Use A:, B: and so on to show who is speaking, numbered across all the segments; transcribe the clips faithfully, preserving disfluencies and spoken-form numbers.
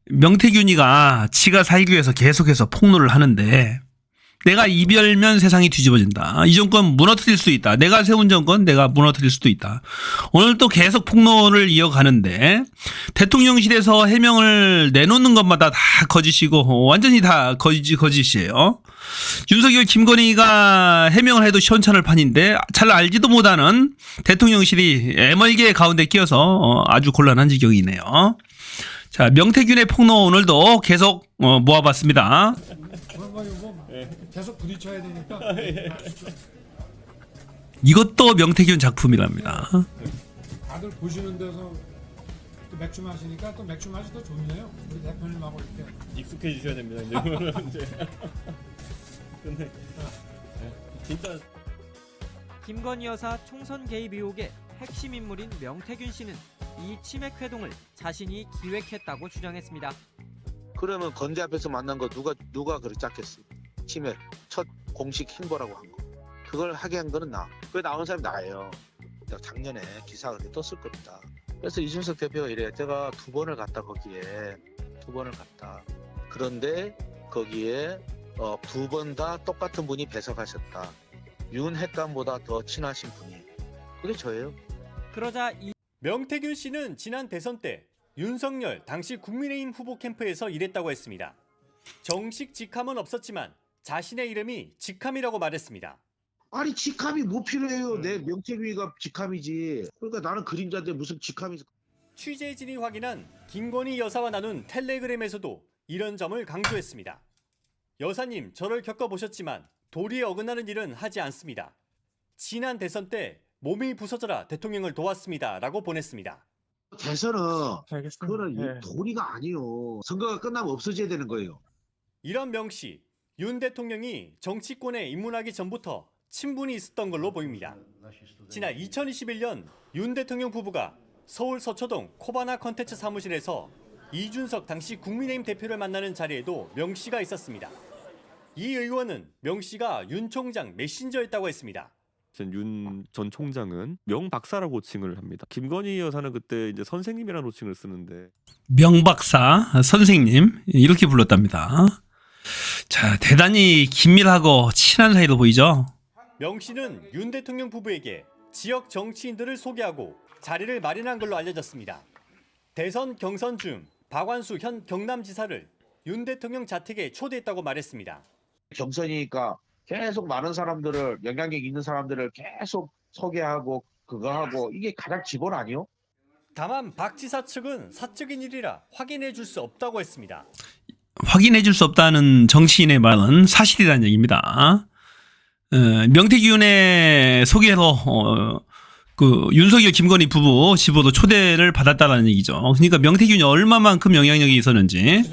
A: 명태균이가 지가 살기 위해서 계속해서 폭로를 하는데 내가 이별면 세상이 뒤집어진다. 이 정권 무너뜨릴 수 있다. 내가 세운 정권 내가 무너뜨릴 수도 있다. 오늘 또 계속 폭로를 이어가는데 대통령실에서 해명을 내놓는 것마다 다 거짓이고 완전히 다 거짓, 거짓이에요. 윤석열 김건희가 해명을 해도 시원찮을 판인데 잘 알지도 못하는 대통령실이 애멀게 가운데 끼어서 아주 곤란한 지경이네요. 자, 명태균의 폭로 오늘도 계속 어, 모아봤습니다.
B: 계속 부딪혀야 되니까.
A: 이것도 명태균 작품이랍니다.
B: 다들 보시는 데서 또 맥주 마시니까 또 맥주 맛이 더 좋네요. 우리 대표님하고 이렇게.
C: 익숙해지셔야 됩니다. 이제 이거는 이제. 근데 진짜
D: 김건희 여사 총선 개입 의혹의 핵심 인물인 명태균 씨는 이 치맥 회동을 자신이 기획했다고 주장했습니다.
E: 그러면 건대 앞에서 만난 거 누가 누가 그렇게 짰겠어? 치맥 첫 공식 행보라고 한 거. 그걸 하게 한 거는 나. 그 나온 사람이 나예요. 내가 작년에 기사가 떴을 겁니다. 그래서 이준석 대표가 이래. 제가 두 번을 갔다 거기에 두 번을 갔다. 그런데 거기에 어, 두 번 다 똑같은 분이 배석하셨다. 윤 핵감보다 더 친하신 분이. 그게 저예요.
D: 그러자 이
C: 명태균 씨는 지난 대선 때 윤석열 당시 국민의힘 후보 캠프에서 일했다고 했습니다. 정식 직함은 없었지만 자신의 이름이 직함이라고 말했습니다.
E: 아니 직함이 뭐 필요해요. 내 명태균이가 직함이지. 그러니까 나는 그림자인데 무슨 직함이.
C: 취재진이 확인한 김건희 여사와 나눈 텔레그램에서도 이런 점을 강조했습니다. 여사님, 저를 겪어보셨지만 도리에 어긋나는 일은 하지 않습니다. 지난 대선 때 몸이 부서져라 대통령을 도왔습니다 라고 보냈습니다.
E: 대선은
B: 알겠습니다.
E: 그거는
B: 네.
E: 도리가 아니요. 선거가 끝나면 없어져야 되는 거예요.
C: 이런 명시, 윤 대통령이 정치권에 입문하기 전부터 친분이 있었던 걸로 보입니다. 지난 이천이십일 년 윤 대통령 부부가 서울 서초동 코바나 컨텐츠 사무실에서 이준석 당시 국민의힘 대표를 만나는 자리에도 명 씨가 있었습니다. 이 의원은 명 씨가 윤 총장 메신저였다고 했습니다.
F: 윤 전 총장은 명 박사라고 호칭을 합니다. 김건희 여사는 그때 이제 선생님이라는 호칭을 쓰는데
A: 명박사 선생님 이렇게 불렀답니다. 자, 대단히 긴밀하고 친한 사이로 보이죠.
C: 명 씨는 윤 대통령 부부에게 지역 정치인들을 소개하고 자리를 마련한 걸로 알려졌습니다. 대선 경선 중 박완수 현 경남지사를 윤 대통령 자택에 초대했다고 말했습니다.
E: 경선이니까 계속 많은 사람들을 영향력 있는 사람들을 계속 소개하고 그거 하고 이게 가장 기본 아니요?
C: 다만 박 지사 측은 사적인 일이라 확인해 줄 수 없다고 했습니다.
A: 확인해 줄 수 없다는 정치인의 말은 사실이라는 얘기입니다. 어, 명태균의 소개로 어, 그 윤석열 김건희 부부 집으로 초대를 받았다는 얘기죠. 그러니까 명태균이 얼마만큼 영향력이 있었는지.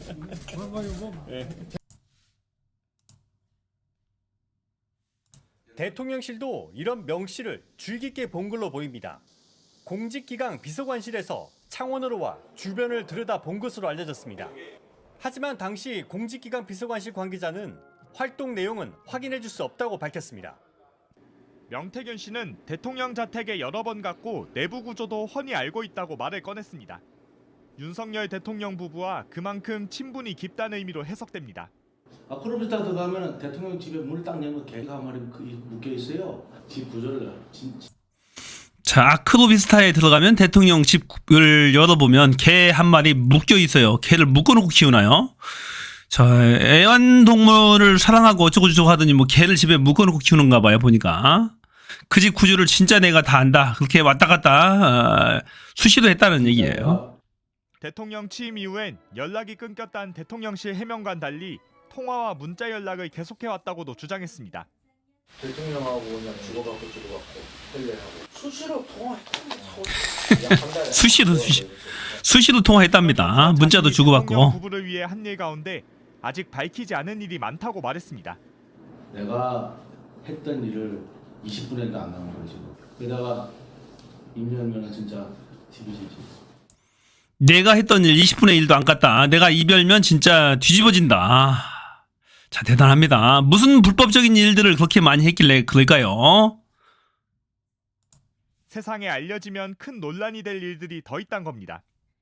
C: 대통령실도 이런 명시를 주의 깊게 본 걸로 보입니다. 공직기강 비서관실에서 창원으로 와 주변을 들여다본 것으로 알려졌습니다. 하지만 당시 공직기강 비서관실 관계자는 활동 내용은 확인해 줄 수 없다고 밝혔습니다.
G: 명태균 씨는 대통령 자택에 여러 번 갔고 내부 구조도 훤히 알고 있다고 말을 꺼냈습니다. 윤석열 대통령 부부와 그만큼 친분이 깊다는 의미로 해석됩니다.
H: 아크로비스타 들어가면 대통령 집에 문을 딱 열면 개가 한 마리 묶여 있어요. 집 구조를 진짜.
A: 자, 아크로비스타에 들어가면 대통령 집을 열어보면 개 한 마리 묶여 있어요. 개를 묶어놓고 키우나요? 자, 애완동물을 사랑하고 어쩌고저쩌고 하더니 뭐 개를 집에 묶어놓고 키우는가 봐요, 보니까. 그 집 구조를 진짜 내가 다 안다. 그렇게 왔다 갔다 어, 수시로 했다는 얘기예요.
G: 대통령 취임 이후엔 연락이 끊겼다는 대통령실 해명과는 달리 통화와 문자 연락을 계속해왔다고도 주장했습니다.
H: 대통령하고 그냥 주고받고 주고받고 텔레하고 수시로 통화했다.
A: 수시로 수시 수시로 통화했답니다. 문자도
G: 대통령
A: 주고받고.
G: 부부를 위해 한 일 가운데 아직 밝히지 않은 일이 많다고 말했습니다.
H: 내가 했던 일을 이십 분에도 안 나온 거지. 게다가 임명면은 진짜 티비지지.
A: 내가 했던 일 이십 분의 일도 안 갔다. 내가 이별면 진짜 뒤집어진다. 자, 대단합니다. 무슨 불법적인 일들을 그렇게 많이 했길래 그럴까요?
G: 세상에 알려지면 큰 논란이 될 일들이 더 있단 겁니다.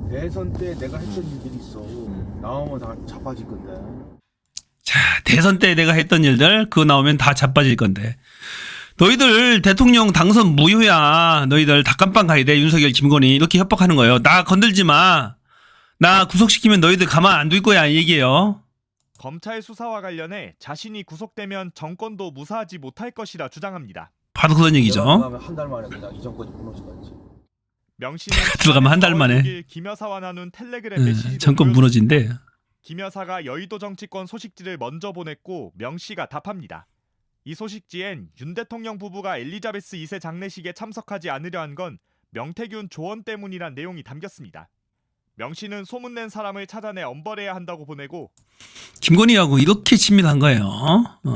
I: 대선 때 내가 했던 일들이 있어. 나오면 다 자빠질 건데.
A: 자, 대선 때 내가 했던 일들 그거 나오면 다 자빠질 건데. 너희들 대통령 당선 무효야. 너희들 다 깜빵 가야 돼. 윤석열, 김건희 이렇게 협박하는 거예요. 나 건들지 마. 나 구속시키면 너희들 가만 안 둘 거야 이 얘기예요.
G: 검찰 수사와 관련해 자신이 구속되면 정권도 무사하지 못할 것이라 주장합니다.
A: 바로 그런 얘기죠.
I: 한 달 만에 그냥 이 정권이 무너지겠지.
G: 명 씨는
A: 들어가면 한달 만에.
G: 김 여사와 나눈 텔레그램
A: 예,
G: 메시지도
A: 정권
G: 보여줬습니다.
A: 무너진대.
G: 김 여사가 여의도 정치권 소식지를 먼저 보냈고 명 씨가 답합니다. 이 소식지엔 윤 대통령 부부가 엘리자베스 이 세 장례식에 참석하지 않으려 한 건 명태균 조언 때문이란 내용이 담겼습니다. 명 씨는 소문낸 사람을 찾아내 엄벌해야 한다고 보내고
A: 김건희하고 이렇게 친밀한 거예요. 어.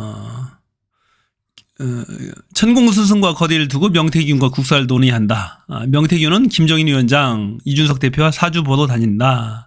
A: 어, 천공스승과 거리를 두고 명태균과 국사를 논의한다. 아, 명태균은 김정인 위원장, 이준석 대표와 사주 보러 다닌다.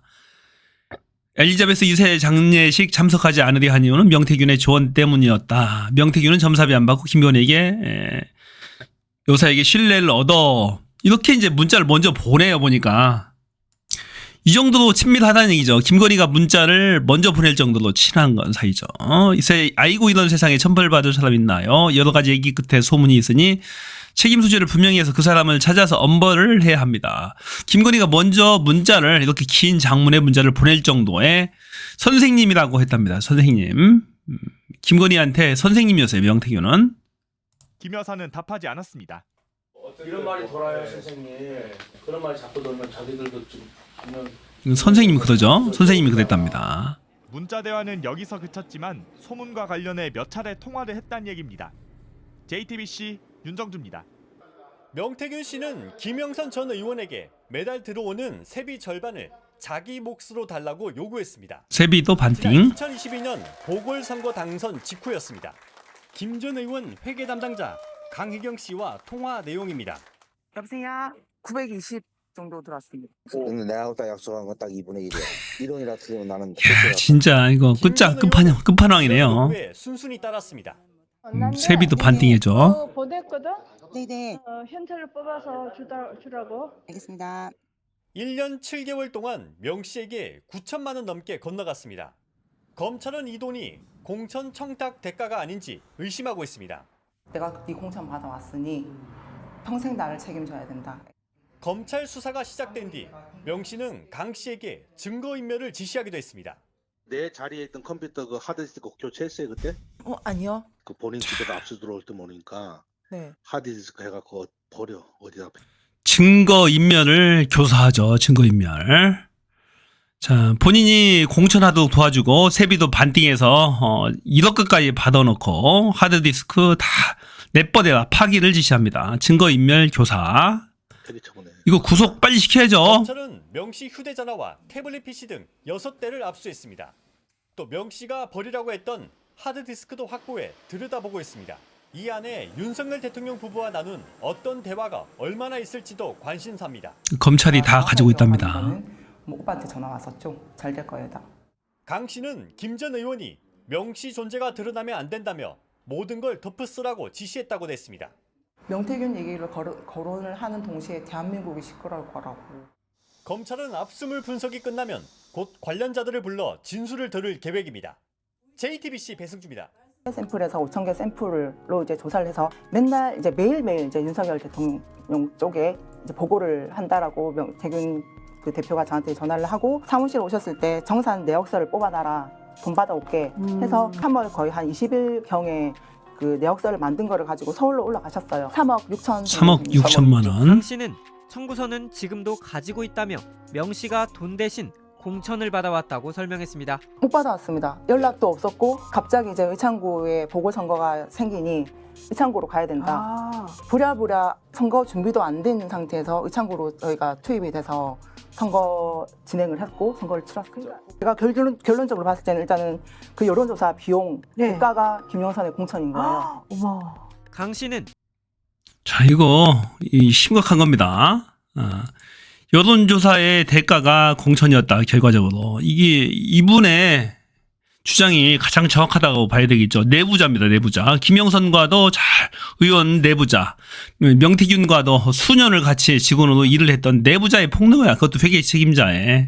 A: 엘리자베스 이 세 장례식 참석하지 않으려 한 이유는 명태균의 조언 때문이었다. 명태균은 점사비 안 받고 김건희에게 에, 여사에게 신뢰를 얻어. 이렇게 이제 문자를 먼저 보내요 보니까. 이 정도로 친밀하다는 얘기죠. 김건희가 문자를 먼저 보낼 정도로 친한 건 사이죠. 어, 이제 아이고 이런 세상에 천벌받을 사람 있나요? 여러 가지 얘기 끝에 소문이 있으니 책임 소재를 분명히 해서 그 사람을 찾아서 엄벌을 해야 합니다. 김건희가 먼저 문자를 이렇게 긴 장문의 문자를 보낼 정도의 선생님이라고 했답니다. 선생님. 음, 김건희한테 선생님이었어요. 명태균은.
G: 김 여사는 답하지 않았습니다.
H: 이런 말이 돌아요, 선생님. 그런 말이 자꾸 돌면 자기들도 좀 분명
A: 선생님이 그러죠. 선생님이 그랬답니다.
G: 문자 대화는 여기서 그쳤지만 소문과 관련해 몇 차례 통화를 했다는 얘기입니다. 제이티비씨 윤정주입니다.
C: 명태균 씨는 김영선 전 의원에게 매달 들어오는 세비 절반을 자기 몫으로 달라고 요구했습니다.
A: 세비도
C: 지난
A: 반띵.
C: 이천이십이 년 보궐선거 당선 직후였습니다. 김 전 의원 회계 담당자 강희경 씨와 통화 내용입니다.
J: 여보세요? 구백이십 정도 들어왔습니다.
E: 근데 내가 딱 약속한 건 딱 이분의 일이야. 일원이라 틀리면 나는
A: 야, 진짜 이거 끝자 끝판 끝판왕이네요.
C: 요구에 순순히 따랐습니다.
A: 음, 세비도 반띵해줘.
J: 어, 보냈거든?
K: 네네,
J: 어, 현찰로 뽑아서 주다, 주라고.
K: 알겠습니다.
C: 일 년 칠 개월 동안 명 씨에게 구천만 원 넘게 건너갔습니다. 검찰은 이 돈이 공천 청탁 대가가 아닌지 의심하고 있습니다.
J: 내가 네 공천 받아왔으니 평생 나를 책임져야 된다.
C: 검찰 수사가 시작된 뒤 명 씨는 강 씨에게 증거인멸을 지시하기도 했습니다.
E: 내 자리에 있던 컴퓨터 그 하드디스크 교체했어요 그때?
J: 어, 아니요.
E: 그 본인 집에도 압수 들어올 때 모르니까
J: 네.
E: 하드디스크 해갖고 버려 어디다.
A: 증거인멸을 교사하죠. 증거인멸. 자, 본인이 공천하도록 도와주고 세비도 반띵해서 어, 일억까지 받아놓고 하드디스크 다 내버려라 파기를 지시합니다. 증거인멸 교사.
E: 폐기처분해.
A: 이거 구속 빨리 시켜야죠.
C: 검찰은 명 씨 휴대전화와 태블릿 피씨 등 여섯 대를 압수했습니다. 또 명 씨가 버리라고 했던 하드디스크도 확보해 들여다보고 있습니다. 이 안에 윤석열 대통령 부부와 나눈 어떤 대화가 얼마나 있을지도 관심사입니다.
A: 검찰이 다 가지고 있답니다.
J: 뭐 오빠한테 전화 왔었죠. 잘 될 거예요, 다.
C: 강 씨는 김 전 의원이 명 씨 존재가 드러나면 안 된다며 모든 걸 덮으쓰라고 지시했다고 냈습니다.
J: 명태균 얘기를 거르, 거론을 하는 동시에 대한민국이 시끄러울 거라고.
C: 검찰은 압수물 분석이 끝나면 곧 관련자들을 불러 진술을 들을 계획입니다. 제이티비씨 배승주입니다.
J: 샘플에서 오천 개 샘플로 이제 조사를 해서 맨날 이제 매일매일 이제 윤석열 대통령 쪽에 이제 보고를 한다라고 명태균 그 대표가 저한테 전화를 하고 사무실 오셨을 때 정산 내역서를 뽑아놔라 돈 받아올게 해서 삼월 거의 한 이십 일경에 그 내역서를 만든 거를 가지고 서울로 올라가셨어요. 삼억 육천.
A: 삼억 육천만 원.
D: 강 씨는 청구서는 지금도 가지고 있다며 명 씨가 돈 대신 공천을 받아왔다고 설명했습니다.
J: 못 받아왔습니다. 연락도 없었고 갑자기 이제 의창구에 보궐선거가 생기니 의창구로 가야 된다. 아. 부랴부랴 선거 준비도 안 돼 있는 상태에서 의창구로 저희가 투입이 돼서 선거 진행을 했고 선거를 치렀습니다. 제가 결론, 결론적으로 봤을 때는 일단은 그 여론조사 비용
K: 네.
J: 대가가 김영선의 공천인 거예요.
K: 아, 어머.
D: 강 씨는
A: 자, 이거 이 심각한 겁니다. 아, 여론조사의 대가가 공천이었다. 결과적으로 이게 이분의 주장이 가장 정확하다고 봐야 되겠죠. 내부자입니다. 내부자. 김영선과도 잘 의원 내부자. 명태균과도 수년을 같이 직원으로 일을 했던 내부자의 폭로야. 그것도 회계 책임자에.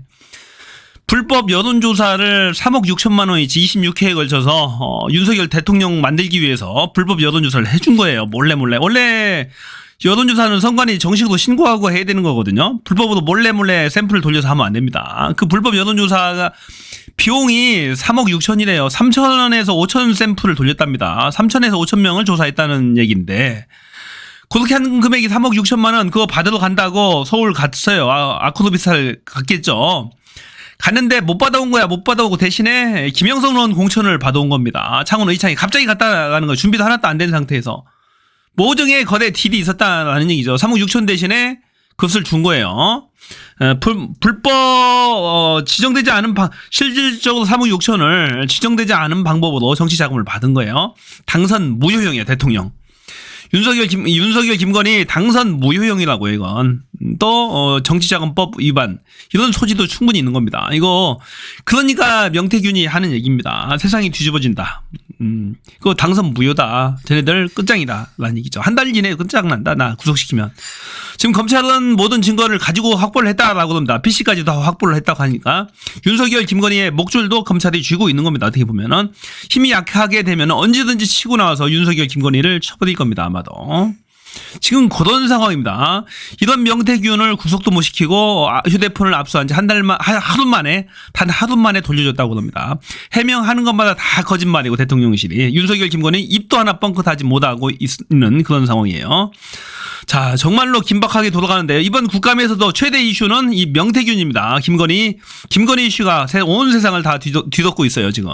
A: 불법 여론조사를 삼억 육천만 원이지 이십육 회에 걸쳐서 어, 윤석열 대통령 만들기 위해서 불법 여론조사를 해준 거예요. 몰래 몰래. 원래 여론조사는 선관위 정식으로 신고하고 해야 되는 거거든요. 불법으로 몰래 몰래 샘플을 돌려서 하면 안 됩니다. 그 불법 여론조사가 비용이 삼억 육천이래요. 삼천에서 오천 샘플을 돌렸답니다. 삼천에서 오천 명을 조사했다는 얘기인데 그렇게 한 금액이 삼억 육천만 원 그거 받으러 간다고 서울 갔어요. 아, 아코노비스탈 갔겠죠. 갔는데 못 받아온 거야. 못 받아오고 대신에 김영선 의원 공천을 받아온 겁니다. 창원 의창이 갑자기 갔다 가는 거예요. 준비도 하나도 안 된 상태에서. 모종의 거대 딜이 있었다는 얘기죠. 삼억 육천 대신에 그것을 준 거예요. 불, 불법 어, 지정되지 않은 방, 실질적으로 삼억 육천을 지정되지 않은 방법으로 정치 자금을 받은 거예요. 당선 무효형이에요. 대통령. 윤석열, 김, 윤석열, 김건희 당선 무효형이라고요, 이건. 또, 어, 정치자금법 위반. 이런 소지도 충분히 있는 겁니다. 이거, 그러니까 명태균이 하는 얘기입니다. 세상이 뒤집어진다. 음, 그거 당선 무효다. 쟤네들 끝장이다. 라는 얘기죠. 한 달 이내에 끝장난다. 나 구속시키면. 지금 검찰은 모든 증거를 가지고 확보를 했다라고 합니다. 피씨까지도 확보를 했다고 하니까. 윤석열, 김건희의 목줄도 검찰이 쥐고 있는 겁니다. 어떻게 보면은. 힘이 약하게 되면 언제든지 치고 나와서 윤석열, 김건희를 쳐버릴 겁니다. 아마도. 지금 그런 상황입니다. 이런 명태균을 구속도 못 시키고 휴대폰을 압수한 지 한 달만, 하루 만에, 단 하루 만에 돌려줬다고 합니다. 해명하는 것마다 다 거짓말이고 대통령실이. 윤석열, 김건희 입도 하나 뻥끗하지 못하고 있는 그런 상황이에요. 자, 정말로 긴박하게 돌아가는데요. 이번 국감에서도 최대 이슈는 이 명태균입니다. 김건희, 김건희 이슈가 온 세상을 다 뒤덮, 뒤덮고 있어요, 지금.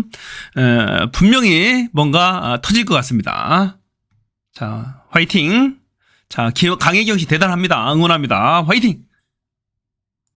A: 에, 분명히 뭔가 터질 것 같습니다. 자, 화이팅. 자, 강혜경 씨 대단합니다. 응원합니다. 화이팅!